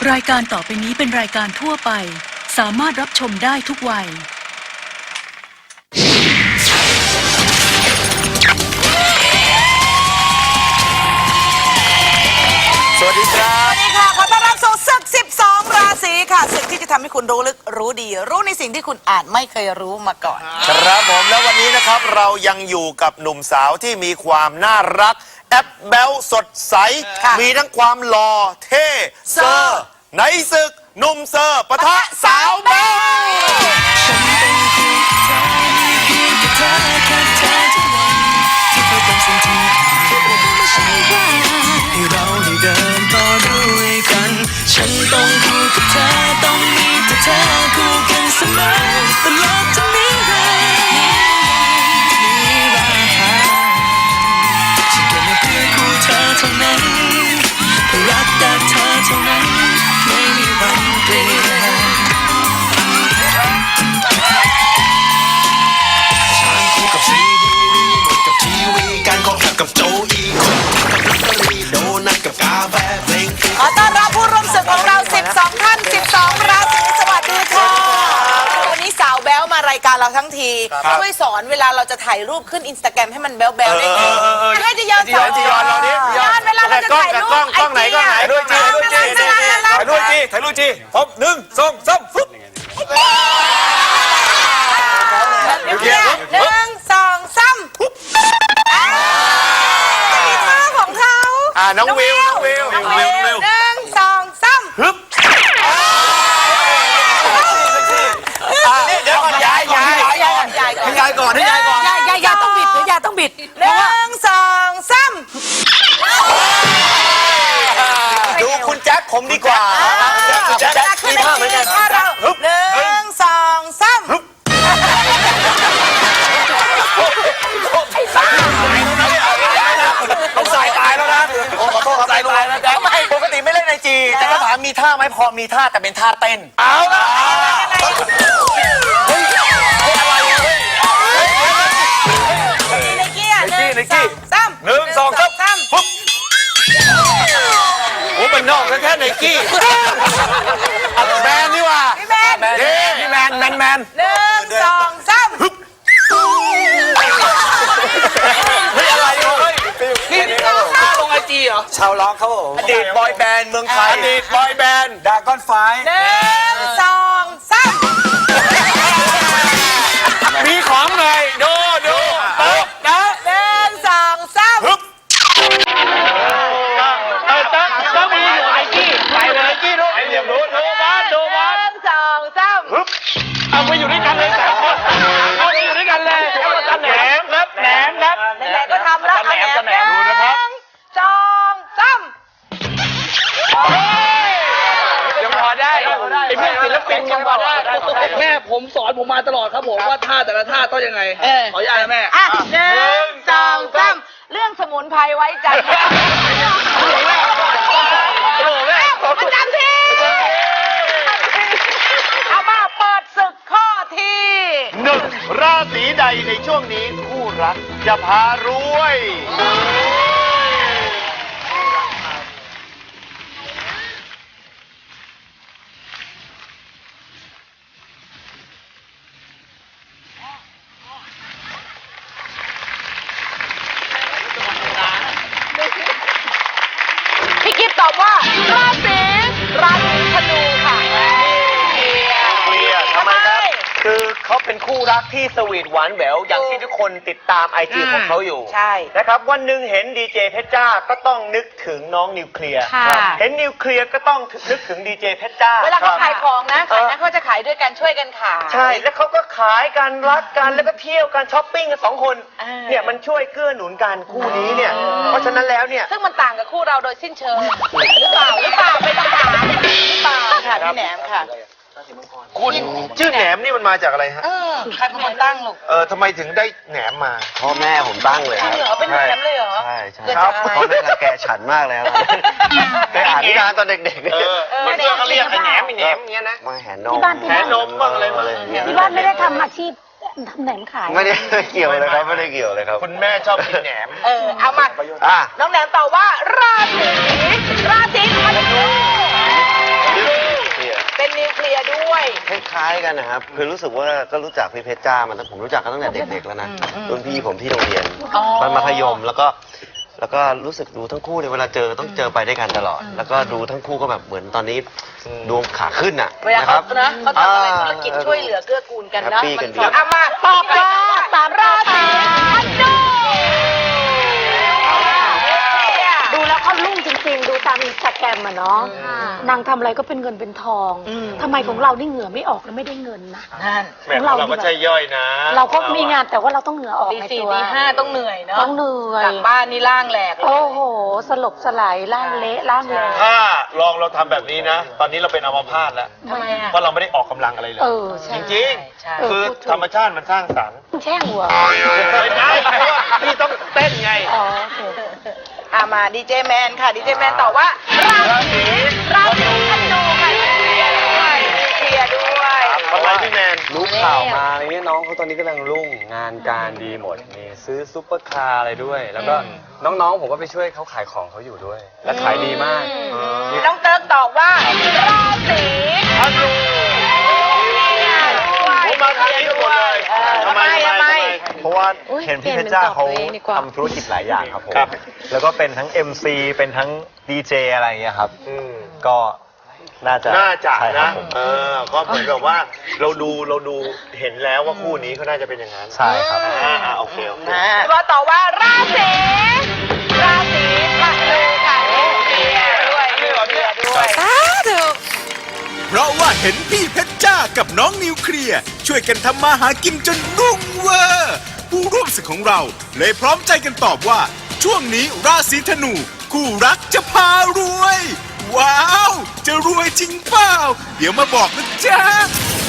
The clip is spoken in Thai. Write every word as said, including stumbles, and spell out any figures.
รายการต่อไปนี้เป็นรายการทั่วไปสามารถรับชมได้ทุกวัยสวัสดีครับสวัสดีค่ะขอต้อนรับสู่ศึกสิบสองราศีค่ะศึกที่จะทำให้คุณรู้ลึกรู้ดีรู้ในสิ่งที่คุณอาจไม่เคยรู้มาก่อนครับผมแล้ววันนี้นะครับเรายังอยู่กับหนุ่มสาวที่มีความน่ารักแอปแบ๊วสดใสมีทั้งความหล่อเท่เซอร์ในศึกหนุ่มเซอร์ปะทะสาวแบ๊วให้เราได้เดินต่อด้วยกันฉันต้องคู่กับเธอต้องมีแต่เธอคู่กันเสมอตลอดจนนิรันดร์นิรันดร์ฉันเกิดมาเพื่อคู่เธอเท่านั้นเพื่อรักแต่เธอเท่านั้นไม่มีวันเปลี่ยนฉันคู่กับซีดีรีโมทกับทีวีการขอขับกับโจอีคนกับลอตเตอรี่โดนัทกับกาแฟเพลงขอต้อนรับผู้ร่วมศึกของเราสิบสองท่านสิบสองราศีสวัสดีค่ะวันนี้สาวแบ๊วมารายการเราทั้งทีช่วยสอนเวลาเราจะถ่ายรูปขึ้นอินสตาแกรมให้มันแบ๊วๆได้ไงให้จะย้อนสอนย้อนเราดิย้อนเวลาเราจะถ่ายรูปไอจีถ่ายรูปจีถ่ายรูปจีถ่ายรูปจีถ่ายรูปจีพบหนึ่งสองสามฟึ๊บหนึ่งสองสามมีท่าของเขาอ่าน้องวิวน้องวิวน้องวิวหนึ่งสองสามฮึบนี่เดี๋ยวก่อนย้ายย้ายย้ายย้ายก่อนย้ายก่อนย้ายก่อนย้ายย้ายย้ายต้องบิดย้ายต้องบิดหนึ่งสองสามดูคุณแจ็คผมดีกว่าคุณแจ็คมีท่าเหมือนกันหนึ่งสองสามต้องสายตายแล้วนะขอโทษครับสายตายแล้วแจ็คไม่ปกติไม่เล่นไอจีแต่ก็ถามมีท่าไหมพอมีท่าแต่เป็นท่าเต้นเอาละเฮ้ยอะไรเฮ้ยในกี้อ่ะหนึ่งสองสามหนึ่งสองสามปุ๊บโอ้มันนอกแค่ไนกี้แมนนี่ว่าพี่แมนพี่แมนแมนแมนหนึ่งสองสามเฮ้ยอะไรเฮ้ยนี่ลงไอจีเหรอชาวล็อกเขาอดีตบอยแบนด์เมืองไทยอดีตบอยแบนด์ดากอนไฟหนึ่งสองสามมีของหน่อยดูดูต๊ะต๊ะหนึ่งสองสามฮึบเออต๊ะต๊ะมีอยู่ไอจีไปเลยไอจีดูไอเหลี่ยมดูดูบ้านดูบ้านหนึ่งสองสามฮึบเอาไปอยู่ด้วยกันเลยสามคนเอาไปอยู่ด้วยกันเลยแหนมครับแหนมครับไหนๆก็ทำแล้วแหนมแหนมดูนะครับสองสามยังพอได้ไอ้พวกศิลปินยังพอได้แม่ผมสอนผมมาตลอดครับผมว่าท่าแต่ละท่าต้องยังไงขออนุญาตนะแม่อ่ะหนึ่งสองสามเรื่องสมุนไพรไว้ใจประจำที่เอามาเปิดศึกข้อที่หนึ่งราศีใดในช่วงนี้คู่รักจะพารวยพี่กิ๊ฟตอบว่าราศีราศีธนูค่ะเคลียร์ทำไมครับคือเขาเป็นคู่รักที่สวีทหวานแหววอย่างที่ทุกคนติดตามไอจีของเขาอยู่ใช่นะครับวันหนึ่งเห็นดีเจเพชรจ้าก็ต้องนึกถึงน้องนิวเคลียร์เห็นนิวเคลียร์ก็ต้องนึกถึงดีเจเพชรจ้าเวลาเขาขายของนะขายนะเขาจะขายด้วยกันช่วยกันขายใช่แล้วเขาก็ขายกันรักกันแล้วก็เที่ยวกันช้อปปิ้งกันสองคนเนี่ยมันช่วยเกื้อหนุนกันคู่นี้เนี่ยเพราะฉะนั้นแล้วเนี่ยซึ่งมันต่างกับคู่เราโดยสิ้นเชิงหรือเปล่าหรือเปล่าไม่ต้องถามหรือเปล่าค่ะพี่แหนมค่ะคุณชื่อแหนมนี่มันมาจากอะไรฮะเออใครเป็นคนตั้งลูกเออทำไมถึงได้แหนมมาพ่อแม่ผมตั้งเลยครับเหรอเป็นแหนมเลยเหรอใช่ใช่ครับพ่อแม่รังแกฉันมากเลยครับไปอ่านนิทานตอนเด็กๆเออมันเพื่อนเขาเรียกแหนมแหนมเงี้ยนะมาแหนนมแหนนมบ้างอะไรมาเลยที่บ้านไม่ได้ทำอาชีพทำแหนมขายไม่ได้เกี่ยวเลยครับไม่ได้เกี่ยวเลยครับคุณแม่ชอบกินแหนมเออเอามาน้องแหนมตอบว่าราศีราศีธนูล้ายๆกันนะครับคือรู้สึกว่าก็รู้จักพี่เพชรจ้ามันตั้งผมรู้จักกันตั้งแต่เด็กๆแล้วนะรุ่นพี่ผมที่โรงเรียนตอนมัธยมแล้วก็แล้วก็รู้สึกดูทั้งคู่เนี่ยเวลาเจอต้องเจอไปด้วยกันตลอด แล้วก็ดูทั้งคู่ก็แบบเหมือนตอนนี้ดวงขาขึ้นอ่ะเวลานะคเขารับนะเขาทำอะไรธุรกิจช่วยเหลือเกื้อกูลกันนะแฮปปี้กันดีเอามาตอบเลยสามราศีกันดูดูแล้วเขาลุ่งจริงๆ ดูตามอินสตาแกรมอะเนาะนางทำอะไรก็เป็นเงินเป็นทองทำไมของเรานี่เหงื่อไม่ออกแล้วไม่ได้เงินนะนั่นของเราก็ใช่ย่อยนะ เราก็มีงานแต่ว่าเราต้องเหงื่อออกตีในสี่ตัวตีห้าต้องเหนื่อยเนาะต้องเหนื่อยกลับบ้านนี่ร่างแหลกเลยโอ้โห สลบสลายร่างเละร่างเละถ้าลองเราทำแบบนี้นะ ตอนนี้เราเป็นอัมพาตแล้วทำไมอ่ะเพราะเราไม่ได้ออกกำลังอะไรเลยเออใช่จริงใช่ๆ คือธรรมชาติมันสร้างสรรค์แช่งหัวไม่ได้เพราะว่าพี่ต้องเต้นไงอ๋อโอเคอามาดีเจแมนค่ะดีเจแมนตอบว่าราศีราศีธนูค่ะเคลียร์ด้วยเคลียร์ด้วยทำไมพี่แมนรู้ข่าวมาอะไรเงี้ยน้องเขาตอนนี้กำลังรุ่งงานการดีหมดมีซื้อซุปเปอร์คาร์อะไรด้วย แล้วก็น้องๆผมก็ไปช่วยเขาขายของเขาอยู่ด้วย และขายดีมากน้องเติร์กตอบว่าราศีธนูด้วยผมมาทางนี้ทุกคนเลยออทำไมทำไมเพราะว่าเห็นพี่เพชรจ้าเขาทำธุรกิจหลายอย่างครับผมครับแล้วก็เป็นทั้ง เอ็ม ซี เป็นทั้งดีเจอะไรอย่างเงี้ยครับอืมก็น่าจะน่าจะใช่ครันะบผมเออ ก็เหมือนแบบว่าเราดูเราดูเห็นแล้วว่าคู่นี้เขาน่าจะเป็นอย่างนั้นใช่ครับอ่าอ่าโอเคโอเคก็ตอบว่าราศีราศีธนูค่ะเคลียร์ด้วยเคลียร์ด้วยเพราะว่าเห็นพี่เพชรจ้ากับน้องนิวเคลียร์ช่วยกันทำมาหากินจนรุ่งเวอร์ผู้ร่วมศึกของเราเลยพร้อมใจกันตอบว่า ช่วงนี้ราศีธนู คู่รักจะพารวย ว้าว จะรวยจริงเปล่า เดี๋ยวมาบอกนะจ๊ะ